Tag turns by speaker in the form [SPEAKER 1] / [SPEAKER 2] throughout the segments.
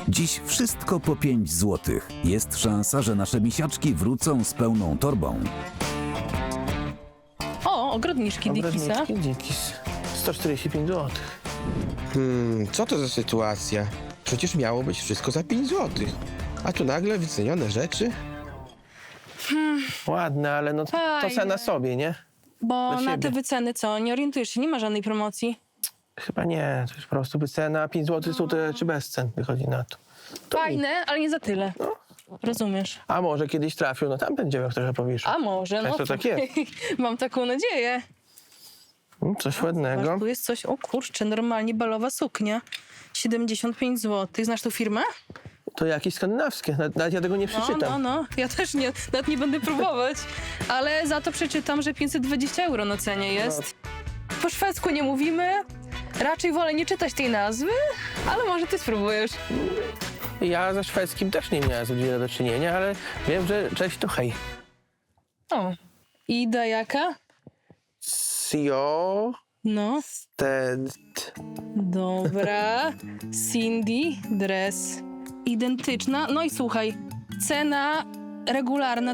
[SPEAKER 1] Dziś wszystko po 5 zł. Jest szansa, że nasze misiaczki wrócą z pełną torbą.
[SPEAKER 2] O, ogrodniczki Dickiesa.
[SPEAKER 3] Ogrodniczki Dickies. 145 zł.
[SPEAKER 4] Co to za sytuacja? Przecież miało być wszystko za 5 zł. A tu nagle wycenione rzeczy?
[SPEAKER 3] Ładne, ale no to
[SPEAKER 2] Fajne.
[SPEAKER 3] cena sobie, nie?
[SPEAKER 2] Bo
[SPEAKER 3] Dla
[SPEAKER 2] na
[SPEAKER 3] siebie.
[SPEAKER 2] te wyceny co? Nie orientujesz się, nie ma żadnej promocji.
[SPEAKER 3] Chyba nie, to jest po prostu wycena. 5 zł są te czy bez cen wychodzi na to.
[SPEAKER 2] Fajne, ale nie za tyle.
[SPEAKER 3] No.
[SPEAKER 2] Rozumiesz?
[SPEAKER 3] A może kiedyś trafił, no tam będzie jak trochę powiesz.
[SPEAKER 2] A może, no.
[SPEAKER 3] Często tak jest.
[SPEAKER 2] Mam taką nadzieję.
[SPEAKER 3] Coś ładnego.
[SPEAKER 2] Masz, tu jest coś, o kurczę, normalnie balowa suknia. 75 zł. Znasz tą firmę?
[SPEAKER 3] To jakieś skandynawskie, nawet ja tego nie przeczytam.
[SPEAKER 2] No. Ja też nie, nawet nie będę próbować. Ale za to przeczytam, że 520 euro na cenie jest. Po szwedzku nie mówimy. Raczej wolę nie czytać tej nazwy, ale może ty spróbujesz.
[SPEAKER 3] Ja ze szwedzkim też nie miałem zbyt wiele do czynienia, ale wiem, że cześć to hej.
[SPEAKER 2] O. Ida jaka?
[SPEAKER 3] Sio...
[SPEAKER 2] No.
[SPEAKER 3] Ted...
[SPEAKER 2] Dobra. Cindy dress. Identyczna. No i słuchaj, cena regularna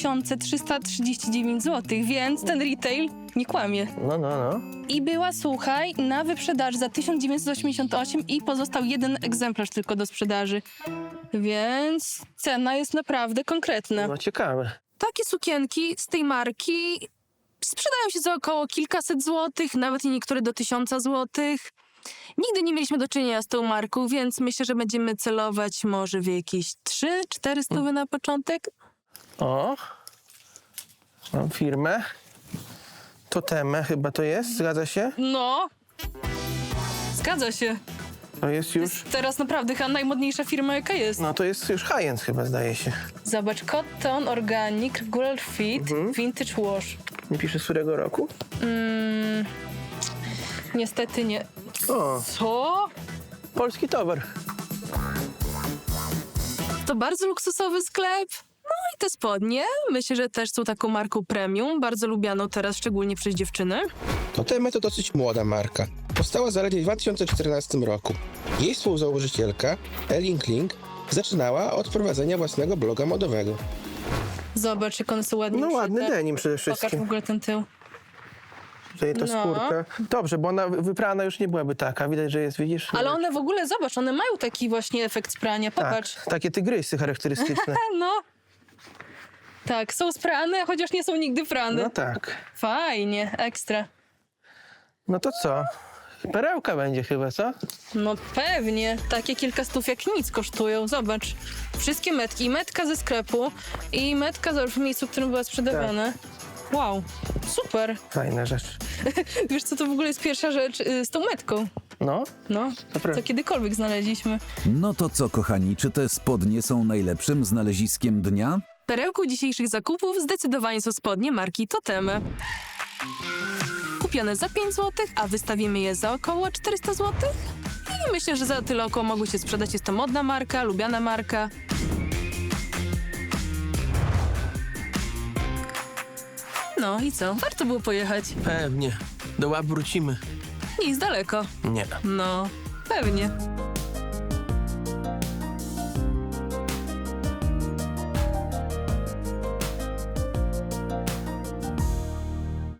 [SPEAKER 2] 2339 zł, więc ten retail nie kłamie.
[SPEAKER 3] No.
[SPEAKER 2] I była, słuchaj, na wyprzedaży za 1988 i pozostał jeden egzemplarz tylko do sprzedaży. Więc cena jest naprawdę konkretna.
[SPEAKER 3] No ciekawe.
[SPEAKER 2] Takie sukienki z tej marki sprzedają się za około kilkaset złotych, nawet niektóre do 1000 złotych. Nigdy nie mieliśmy do czynienia z tą marką, więc myślę, że będziemy celować może w jakieś 300-400 na początek.
[SPEAKER 3] O. Mam firmę. Toteme chyba to jest, zgadza się?
[SPEAKER 2] No, zgadza się.
[SPEAKER 3] To jest już...
[SPEAKER 2] Teraz naprawdę chyba najmodniejsza firma, jaka jest.
[SPEAKER 3] No to jest już high-end chyba, zdaje się.
[SPEAKER 2] Zobacz, cotton, organic, regular fit, vintage wash.
[SPEAKER 3] Nie pisze z którego roku?
[SPEAKER 2] Niestety nie.
[SPEAKER 3] O,
[SPEAKER 2] Co?
[SPEAKER 3] polski towar.
[SPEAKER 2] To bardzo luksusowy sklep. No i te spodnie, myślę, że też są taką marką premium, bardzo lubianą teraz, szczególnie przez dziewczyny.
[SPEAKER 4] Toteme to dosyć młoda marka. Powstała zaledwie w 2014 roku. Jej współzałożycielka, Elin Kling, zaczynała od prowadzenia własnego bloga modowego.
[SPEAKER 2] Zobacz, jak one są ładnie
[SPEAKER 3] No ładny
[SPEAKER 2] uszyte.
[SPEAKER 3] denim przede
[SPEAKER 2] Pokaż w
[SPEAKER 3] wszystkim.
[SPEAKER 2] ogóle ten tył.
[SPEAKER 3] Tutaj to
[SPEAKER 2] No.
[SPEAKER 3] skórka. Dobrze, bo ona wyprana już nie byłaby taka. Widać, że jest, widzisz?
[SPEAKER 2] Ale one w ogóle, zobacz, one mają taki właśnie efekt sprania, popatrz.
[SPEAKER 3] Tak, takie tygrysy charakterystyczne.
[SPEAKER 2] No. Tak, są sprane, chociaż nie są nigdy prane.
[SPEAKER 3] No tak.
[SPEAKER 2] Fajnie, ekstra.
[SPEAKER 3] No to co? Perełka będzie chyba, co?
[SPEAKER 2] No pewnie. Takie kilka stów jak nic kosztują. Zobacz. Wszystkie metki. I metka ze sklepu, i metka w miejscu, w którym była sprzedawana.
[SPEAKER 3] Tak.
[SPEAKER 2] Wow, super.
[SPEAKER 3] Fajna rzecz.
[SPEAKER 2] Wiesz co, to w ogóle jest pierwsza rzecz z tą metką.
[SPEAKER 3] No,
[SPEAKER 2] No,
[SPEAKER 3] to prawda.
[SPEAKER 2] co kiedykolwiek znaleźliśmy.
[SPEAKER 1] No to co, kochani, czy te spodnie są najlepszym znaleziskiem dnia?
[SPEAKER 2] Perełką dzisiejszych zakupów zdecydowanie są spodnie marki Toteme. Kupione za 5 zł, a wystawimy je za około 400 zł. I myślę, że za tyle około mogły się sprzedać. Jest to modna marka, lubiana marka. No i co? Warto było pojechać.
[SPEAKER 3] Pewnie. Do łap wrócimy.
[SPEAKER 2] Nie jest daleko.
[SPEAKER 3] Nie.
[SPEAKER 2] No, pewnie.